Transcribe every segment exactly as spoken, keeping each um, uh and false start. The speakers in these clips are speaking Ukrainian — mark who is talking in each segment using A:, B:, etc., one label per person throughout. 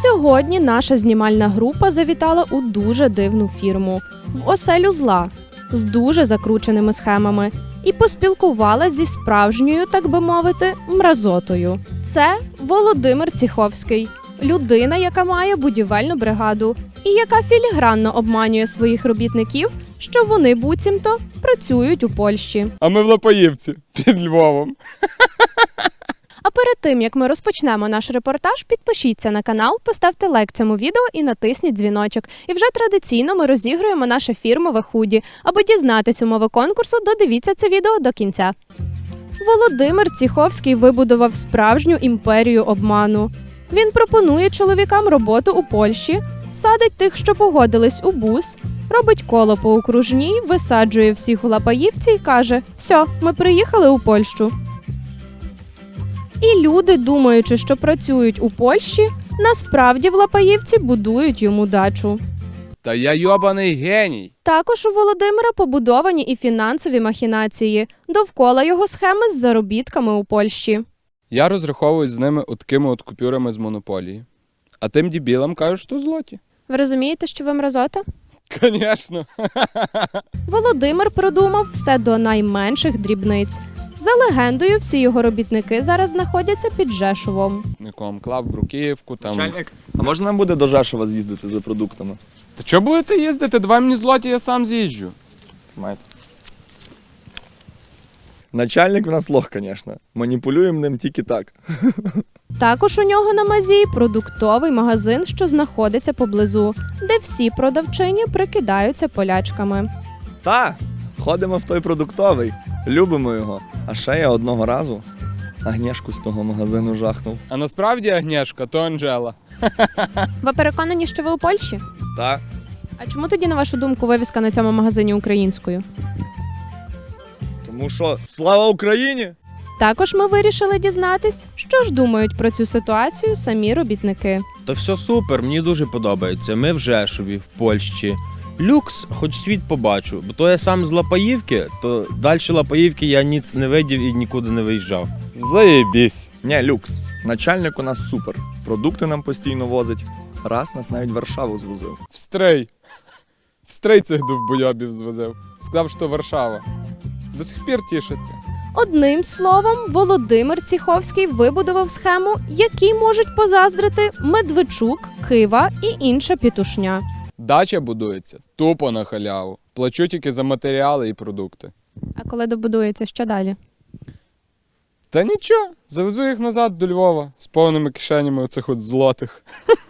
A: Сьогодні наша знімальна група завітала у дуже дивну фірму – в оселю зла з дуже закрученими схемами і поспілкувалася зі справжньою, так би мовити, мразотою. Це Володимир Ціховський – людина, яка має будівельну бригаду і яка філігранно обманює своїх робітників, що вони буцімто працюють у Польщі.
B: А ми в Лопаївці, під Львовом.
A: А перед тим, як ми розпочнемо наш репортаж, підпишіться на канал, поставте лайк цьому відео і натисніть дзвіночок. І вже традиційно ми розігруємо наше фірмове худі. Аби дізнатись умови конкурсу, додивіться це відео до кінця. Володимир Ціховський вибудував справжню імперію обману. Він пропонує чоловікам роботу у Польщі, садить тих, що погодились, у бус, робить коло по окружній, висаджує всіх у Лапаївці і каже: «Все, ми приїхали у Польщу». І люди, думаючи, що працюють у Польщі, насправді в Лапаївці будують йому дачу.
B: Та я йобаний геній.
A: Також у Володимира побудовані і фінансові махінації довкола його схеми з заробітками у Польщі.
B: Я розраховуюсь з ними от такими от купюрами з монополії. А тим дебілам кажуть, що злоті.
A: Ви розумієте, що ви мразота?
B: Звісно.
A: Володимир продумав все до найменших дрібниць. За легендою, всі його робітники зараз знаходяться під Жешовом.
B: Нікому клав бруківку там.
C: Начальник, а можна нам буде до Жешова з'їздити за продуктами?
B: Та чого будете їздити? Давай мені злоті, я сам з'їжджу.
C: Маєте. Начальник в нас лох, звісно. Маніпулюємо ним тільки так.
A: Також у нього на мазі продуктовий магазин, що знаходиться поблизу, де всі продавчині прикидаються полячками.
C: Та, ходимо в той продуктовий, любимо його. А ще я одного разу Агнєшку з того магазину жахнув.
B: А насправді Агнєшка то Анжела.
A: Ви переконані, що ви у Польщі?
C: Так.
A: А чому тоді, на вашу думку, вивіска на цьому магазині українською?
C: Тому що слава Україні!
A: Також ми вирішили дізнатись, що ж думають про цю ситуацію самі робітники.
D: Та все супер, мені дуже подобається. Ми в Жешові, в Польщі. Люкс, хоч світ побачу, бо то я сам з Лапаївки, то далі Лапаївки я ніц не видів і нікуди не виїжджав.
B: Заєбісь.
C: Ні, люкс. Начальник у нас супер. Продукти нам постійно возить. Раз нас навіть в Варшаву звозив.
B: В стрей. В стрей цих довбойобів звозив. Сказав, що Варшава. До сих пір тішиться.
A: Одним словом, Володимир Ціховський вибудував схему, якій можуть позаздрити Медведчук, Кива і інша пітушня.
B: Дача будується тупо на халяву. Плачу тільки за матеріали і продукти.
A: А коли добудується, що далі?
B: Та нічого, завезу їх назад до Львова з повними кишенями оцих от злотих.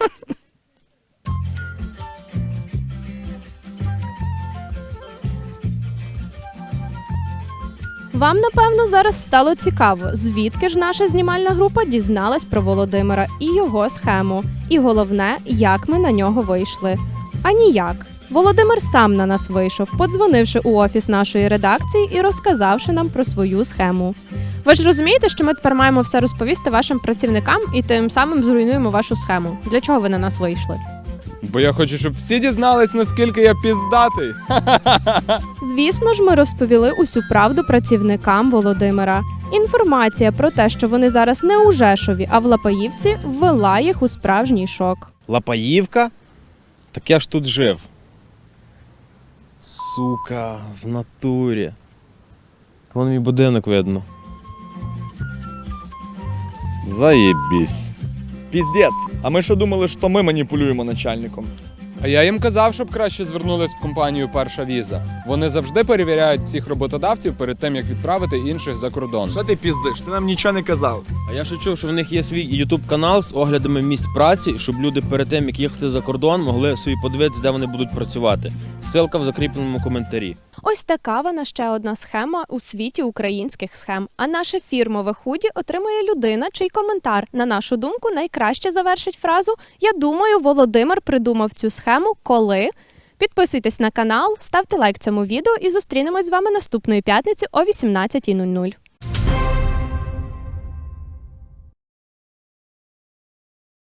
A: Вам, напевно, зараз стало цікаво, звідки ж наша знімальна група дізналась про Володимира і його схему. І головне, як ми на нього вийшли. А ніяк. Володимир сам на нас вийшов, подзвонивши у офіс нашої редакції і розказавши нам про свою схему. Ви ж розумієте, що ми тепер маємо все розповісти вашим працівникам і тим самим зруйнуємо вашу схему. Для чого ви на нас вийшли?
B: Бо я хочу, щоб всі дізнались, наскільки я піздатий.
A: Звісно ж, ми розповіли усю правду працівникам Володимира. Інформація про те, що вони зараз не у Жешові, а в Лапаївці, ввела їх у справжній шок.
D: Лапаївка? Так я ж тут жив. Сука, в натурі. Вон мій будинок видно. Заєбісь.
C: Піздець. А ми що думали, що ми маніпулюємо начальником?
B: А я їм казав, щоб краще звернулись в компанію «Перша віза». Вони завжди перевіряють всіх роботодавців перед тим, як відправити інших за кордон.
C: Що ти піздиш? Ти нам нічого не казав.
D: А я ще чув, що в них є свій ютуб-канал з оглядами місць праці, щоб люди перед тим, як їхати за кордон, могли собі подивитися, де вони будуть працювати. Ссылка в закріпленому коментарі.
A: Ось така вона ще одна схема у світі українських схем. А наше фірмове худі отримує людина, чий коментар, на нашу думку, найкраще завершить фразу «Я думаю, Володимир придумав цю схему, коли…». Підписуйтесь на канал, ставте лайк цьому відео і зустрінемось з вами наступної п'ятниці о вісімнадцятій нуль нуль.